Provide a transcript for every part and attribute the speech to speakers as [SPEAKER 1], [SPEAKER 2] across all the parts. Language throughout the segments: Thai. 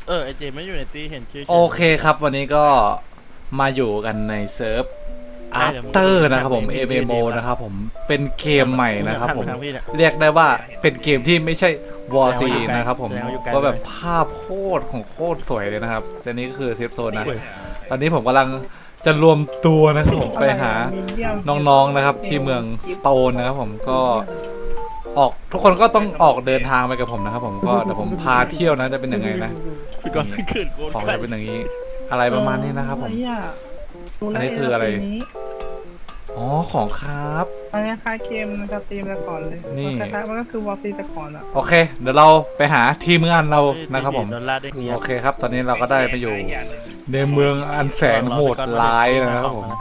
[SPEAKER 1] ไอเจไม่อยู่ในตีเห็นชื่อ
[SPEAKER 2] โอเคครับวันนี้ก็มาอยู่กันในเซิร์ฟอาร์เตอร์นะครับผม MMO นะครับผมเป็นเกมใหม่นะครับผมเรียกได้ว่าเป็นเกมที่ไม่ใช่ War C นะครับผมก็แบบภาพโคตรของโคตรสวยเลยนะครับอันนี้ก็คือเซฟโซนนะตอนนี้ผมกำลังจะรวมตัวนะครับผมไปหาน้องๆนะครับที่เมืองสโตนนะครับผมก็ออกทุกคนก็ต้องออกเดินทางไปกับผมนะครับผมก็เดี๋ยวผมพาเที่ยวนะจะเป็นยังไงนะ
[SPEAKER 1] พี่ก็ไม่ขึ้นโกน
[SPEAKER 2] ของจะเป็นอย่างนี้อะไรประมาณนี้นะครับผมอันนี้คืออะไรอ๋อของครับ
[SPEAKER 3] อันนี้คล้ายเกมสตรีมแต่ก่อนเลย
[SPEAKER 2] นี่
[SPEAKER 3] คล้ายๆมันก็คือวอลซีแต่ก่อนอะ
[SPEAKER 2] โอเคเดี๋ยวเราไปหาทีมงานเรานะครับผม
[SPEAKER 1] โดนลาดได้เงี้ย
[SPEAKER 2] โอเคครับตอนนี้เราก็ได้ไปอยู่ในเมืองอันแสนโหดร้ายนะครับผม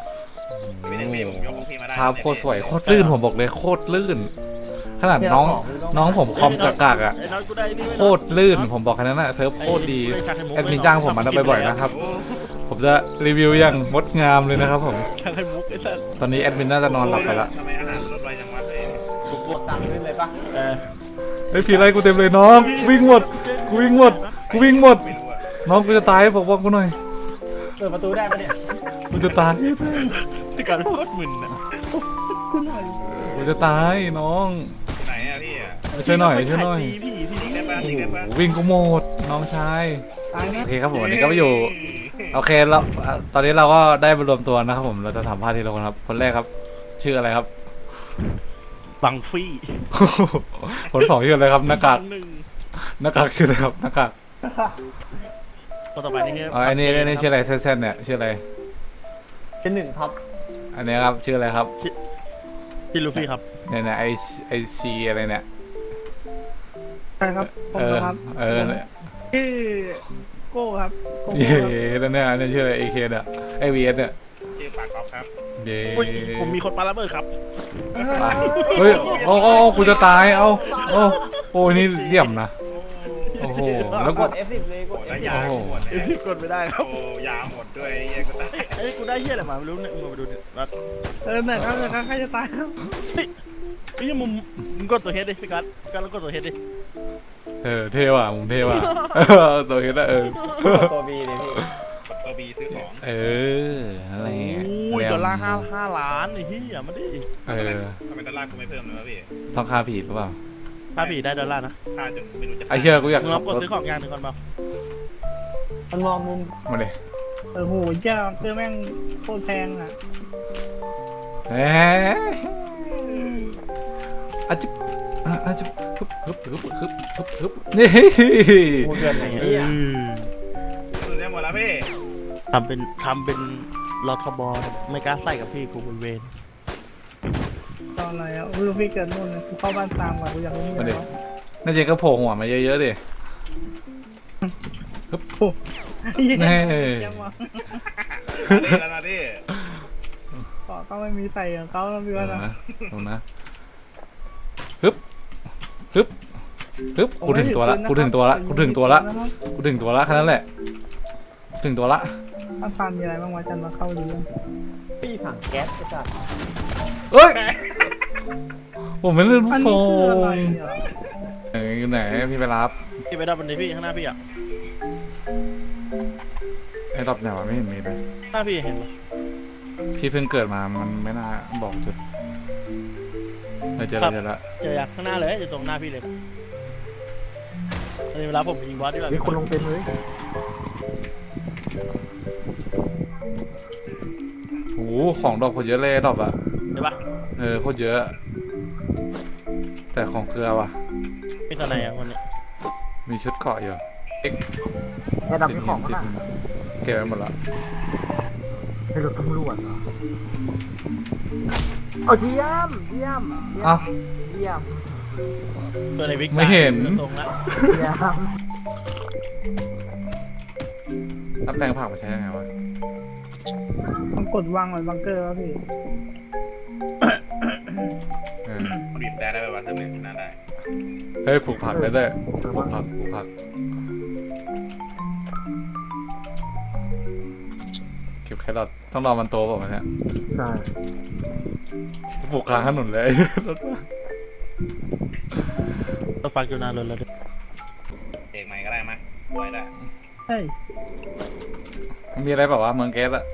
[SPEAKER 2] ภาพโคตรสวยโคตรลื่นผมบอกเลยโคตรลื่นขนาดน้องผมคอมกากๆอ่ะโคตรลื่นผมบอกแค่นั้นนะเซิร์ฟโคตรดีแอดมินจ้างผมมาทำบ่อยๆนะครับผมจะรีวิวอย่างงดงามเลยนะครับผม
[SPEAKER 1] ข้างไข่มุกไอ้สัส
[SPEAKER 2] ตอนนี้แอดมินน่าจะนอนหลับไปละ
[SPEAKER 4] ทำไมอาหารลดไวจังวะเลย
[SPEAKER 1] บุกตังขึ้นเลยปะ
[SPEAKER 2] ไอ้ผีไรกูเต็มเลยน้องวิ่งหมดกูวิ่งหมดกูวิ่งหมด
[SPEAKER 4] ไม่รู้อะ
[SPEAKER 2] น้องกูจะตายบอกกูหน่อย
[SPEAKER 1] เปิดประตูได้ปะเนี่ย
[SPEAKER 2] กูจะตาย
[SPEAKER 1] ที่การโคตรมึนอ่ะ
[SPEAKER 3] คุณหน่อย
[SPEAKER 2] กูจะตายน้อง
[SPEAKER 4] ไหนอะพี่อะ
[SPEAKER 2] ช่วยหน่อยช่วยหน่อย
[SPEAKER 1] พี่
[SPEAKER 4] ยิงได้ปะยิงได้ปะ
[SPEAKER 2] วิ่งกูหมดน้องชาย
[SPEAKER 3] ตายนะ
[SPEAKER 2] โอเคครับผมวันนี้ก็ไปอยู่โอเคแล้วตอนนี้เราก็ได้มารวมตัวนะครับผมเราจะสัมภาษณ์ทีละคนครับคนแรกครับ ชื่ออะไรครับ
[SPEAKER 1] บังฟี่
[SPEAKER 2] คนสองชื่ออะไรครับหน้ากาก
[SPEAKER 1] หนึ่ง
[SPEAKER 2] หน้ากากชื่ออะไรครับหน้ากาก
[SPEAKER 1] คนต่อไปนี่
[SPEAKER 2] อ๋ออันนี้ชื่ออะไรเส้นๆเนี่ยชื่ออะไร
[SPEAKER 1] เป็นหนึ่งครับ
[SPEAKER 2] อันนี้ครับชื่ออะไรครับ
[SPEAKER 1] พี่ลูฟี่ครับ
[SPEAKER 2] เนี่ยไอซีอะไรเนี่ย
[SPEAKER 3] ใช่ครับผมนะครับ
[SPEAKER 2] เนี่ย
[SPEAKER 3] ชื่อโก้ครับโก้
[SPEAKER 2] เย่
[SPEAKER 3] ครับ
[SPEAKER 2] แล้วเนี่ยอันนี้ชื่ออะไร AK เนี่ยไอวีเอสเนี่ย
[SPEAKER 4] ชื่อปากก๊อฟครับ
[SPEAKER 2] เย่
[SPEAKER 1] ผมมีคนปาระเบิดครับ
[SPEAKER 2] เฮ้ยโอ้กูจะตายโอ้นี่เดี่ยมนะโอ้โหแล้วกู
[SPEAKER 1] F10 เลย
[SPEAKER 4] โอ้แล้วยาหมดเลย
[SPEAKER 1] กดไม่ได้ครับ
[SPEAKER 4] โอ้ยาหมดด้วยไอ้เหี้ยก็ตาย
[SPEAKER 1] ไอ้กูได้เหี้ยอะไรมาไม่รู้เนี่ยมึงมาดูเนี่ยรัด
[SPEAKER 3] ไหนครับใครจะตายครับ
[SPEAKER 1] ไอ้ยังมึงกดตัวเฮดดิพี่กัสแล้วกดตัวเฮดดิ
[SPEAKER 2] เท่ว่ะมึงเท่ว่ะตัวเห็นแล้ว
[SPEAKER 1] ตัวบีเลยพี่
[SPEAKER 4] กดตัวบีซื้อของ
[SPEAKER 2] นั่นแหละ
[SPEAKER 1] โอ้ยดอลลาร์5 ล้านไอ้เหี้ยมาดิ
[SPEAKER 4] ทำไมดอลลาร์กูไม่เพิ่มเลยวะพี่
[SPEAKER 2] ต้องค่าผิดหรือเปล่า
[SPEAKER 1] ถ้าผีได้ดอลลาร์นะ
[SPEAKER 4] ค่าจนไม่รู้จะ
[SPEAKER 2] ไอเชื่อกูอยาก
[SPEAKER 1] มึงล
[SPEAKER 2] ขั
[SPEAKER 1] อบ งก
[SPEAKER 2] ร
[SPEAKER 1] ด
[SPEAKER 2] ถ
[SPEAKER 1] ซื้อของอย่างหนึ่งก่อนเปล่า
[SPEAKER 3] มันมองมุม
[SPEAKER 2] มาเลย
[SPEAKER 3] โหเจ้าคือแม่งโคตรแพงอะ
[SPEAKER 2] เอ๊อาจิบอาจิบฮึบนี่
[SPEAKER 1] กูเกินไหน
[SPEAKER 4] ซื้อได้หมดแล้วพี่
[SPEAKER 1] ทำเป็นรอทบอไม่กล้าใส่กับพี่กูบนเวร
[SPEAKER 3] ตอนอะไรอ่ะรู้พี่เกิดนู่นเลยกูเข้าบ้านตามก่อนกูอยากรู้
[SPEAKER 2] มาดิ
[SPEAKER 3] แล้ว
[SPEAKER 2] น่าจะก็โผล่หัวมาเยอะๆดิ
[SPEAKER 3] เฮ้ย
[SPEAKER 2] นี่
[SPEAKER 3] ยังวะ
[SPEAKER 4] นี่แล้วนะพี่
[SPEAKER 3] ก็ไม่มีใส่ของเขาแล้วพี่ว่านะ
[SPEAKER 2] ดูนะฮึบกูถึงตัวละแค่นั้นแหละถึงตัวละ
[SPEAKER 3] ถ้าฟาร์มมีอะไรบ้างวะจันมาเข้าดูเรื่อง
[SPEAKER 1] พี่ถังแก๊สก็จะ
[SPEAKER 2] เอ้ยผมไม่เล่น
[SPEAKER 3] อัน
[SPEAKER 2] โซ่
[SPEAKER 3] นี้คืออะไรอ่ะ
[SPEAKER 2] อยู่ไหนพี่ไปรับ
[SPEAKER 1] พี่ไปดับมันดิพี่ข้างหน้าพี่อ่ะ
[SPEAKER 2] ไอ้รอบไหนวะไม่เห็นมีเลย
[SPEAKER 1] หน้าพี่เห็นปะ
[SPEAKER 2] พี่เพิ่งเกิดมามันไม่น่าบอกจุดเจอแล้ว
[SPEAKER 1] เจออยากข้างหน้าเลยจะตรงหน้าพี่เลยตอนนี้เวลาผมยิงบอสดีกว่า
[SPEAKER 3] มีคนลงเต็มเลย
[SPEAKER 2] โอ้ของดอกโคตรเยอะเลยดอกอะ
[SPEAKER 1] ใช่ปะ
[SPEAKER 2] โคตรเยอะ แต่ของเกลือว่ะ
[SPEAKER 1] มีตัวไหนอ่ะคนนี้
[SPEAKER 2] มีชุดเกาะอยู่
[SPEAKER 3] ไอ้ดำมีของ
[SPEAKER 2] ติด
[SPEAKER 3] อ่ะ
[SPEAKER 2] หินเก็บไว้หมดละ
[SPEAKER 3] เป็นรถตำรวจเหรอโอ้เยี่ยม
[SPEAKER 2] อ้าว
[SPEAKER 1] ตัวในวิก
[SPEAKER 2] ไม่เห็น
[SPEAKER 1] ตรงละ
[SPEAKER 2] แล้วแปลงผักมาใช้ยังไงวะ
[SPEAKER 3] ต้องกดวางไว้บังเกอร์วะพี่
[SPEAKER 4] บีบได้ได้ไหมวะถ้าไม่น่าได้
[SPEAKER 2] เฮ้ยปลูกผักได้ด้วยปลูกผักเก็บแครอทต้องรอมันโตเปล่าเนี่ย
[SPEAKER 3] ใช่
[SPEAKER 2] ปลูกกลางถนนเลย
[SPEAKER 1] ตัวฟังอยู่นานเลยแล้ว
[SPEAKER 4] เอกใหม่ก็ได้มั้ยไว้ได้
[SPEAKER 3] เฮ้ย
[SPEAKER 2] มีอะไรแบบว่าเมืองแก๊สอะ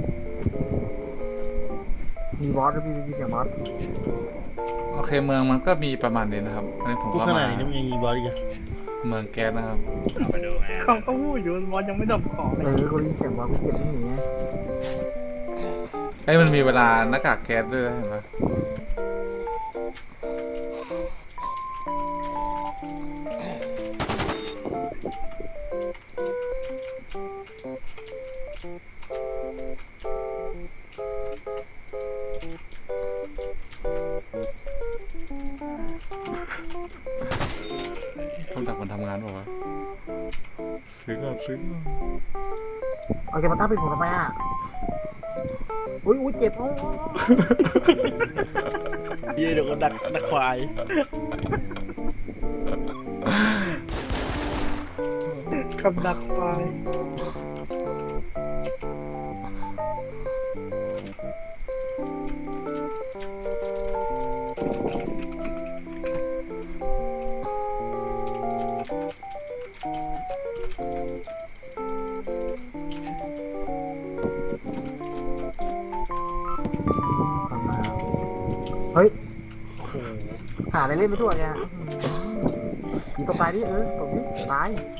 [SPEAKER 5] มีบอสด้วยพี่เสียงบอส
[SPEAKER 2] โอเคเมืองมันก็มีประมาณนี้นะครับอันนี้ผม
[SPEAKER 1] พูด
[SPEAKER 2] ก็
[SPEAKER 1] ข
[SPEAKER 2] มา
[SPEAKER 1] นาดนี้ยังมีบอสอีกอะ
[SPEAKER 2] เมืองแก๊สนะครับ
[SPEAKER 4] เอาไปดูไง
[SPEAKER 3] เขาก็พูดอยู่บอสยังไม่ดับของเลย
[SPEAKER 5] กูได้ยินเสียงบอสกูเก็บไม่หนีไง
[SPEAKER 2] ไอ้ยมันมีเวลาหน้ากากแก๊สด้วยนะเห็นปะต้องดักมันทำงานบอกว่าวะซื้อก่อนซื้อก่อน
[SPEAKER 5] เอาเก็บมาตั้งปิดผมทำไมอ่ะอุ้ยเจ็บโอ้
[SPEAKER 1] เดี๋ยวก็ดักควาย
[SPEAKER 3] กับดักไฟ
[SPEAKER 5] ทำมาเฮ้ยหาอะไรเล่นไปทั่วแกยิงตัวตายดิตรงนี้ตาย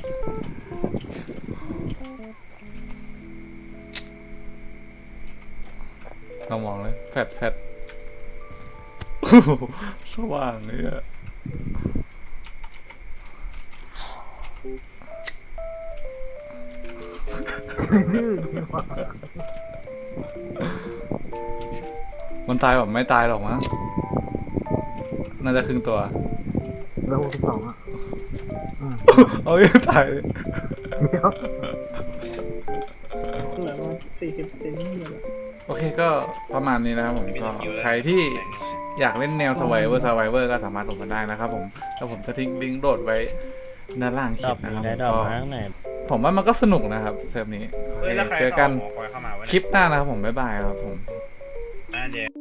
[SPEAKER 2] เรามองเลยแฟดโอ้โหสว่างเลยอะมันตายแบบไม่ตายหรอกมั้งน่าจะครึ่งตัว
[SPEAKER 5] เบอร์62อ่ะ
[SPEAKER 2] เอาไม่ตายเลย
[SPEAKER 5] เดี๋ยว
[SPEAKER 3] เหลือประมาณ40 เซนนี่แหละ
[SPEAKER 2] โอเคก็ประมาณนี้นะครับผมก็ใครที่อยากเล่นแนว Survivor ก็สามารถลงกันได้นะครับผมแล้วผมจะทิ้งลิงก์โดดไว้ด้านล่างค
[SPEAKER 1] ด
[SPEAKER 2] ลิ
[SPEAKER 1] อ
[SPEAKER 2] ป
[SPEAKER 1] ก
[SPEAKER 2] นะครับ
[SPEAKER 1] ได้ด
[SPEAKER 2] ก็
[SPEAKER 1] อกมาข้างใน
[SPEAKER 2] ผมว่ามันก็สนุกนะครับเซิร์ฟนี้โอ
[SPEAKER 4] เฮ้ย
[SPEAKER 2] เค
[SPEAKER 4] แล้วใคร
[SPEAKER 2] เจอกัน
[SPEAKER 4] หอคอยเข้ามาไว้
[SPEAKER 2] คลิปหน้านะครับผมบ๊ายบายครับผม
[SPEAKER 4] เดี๋ยว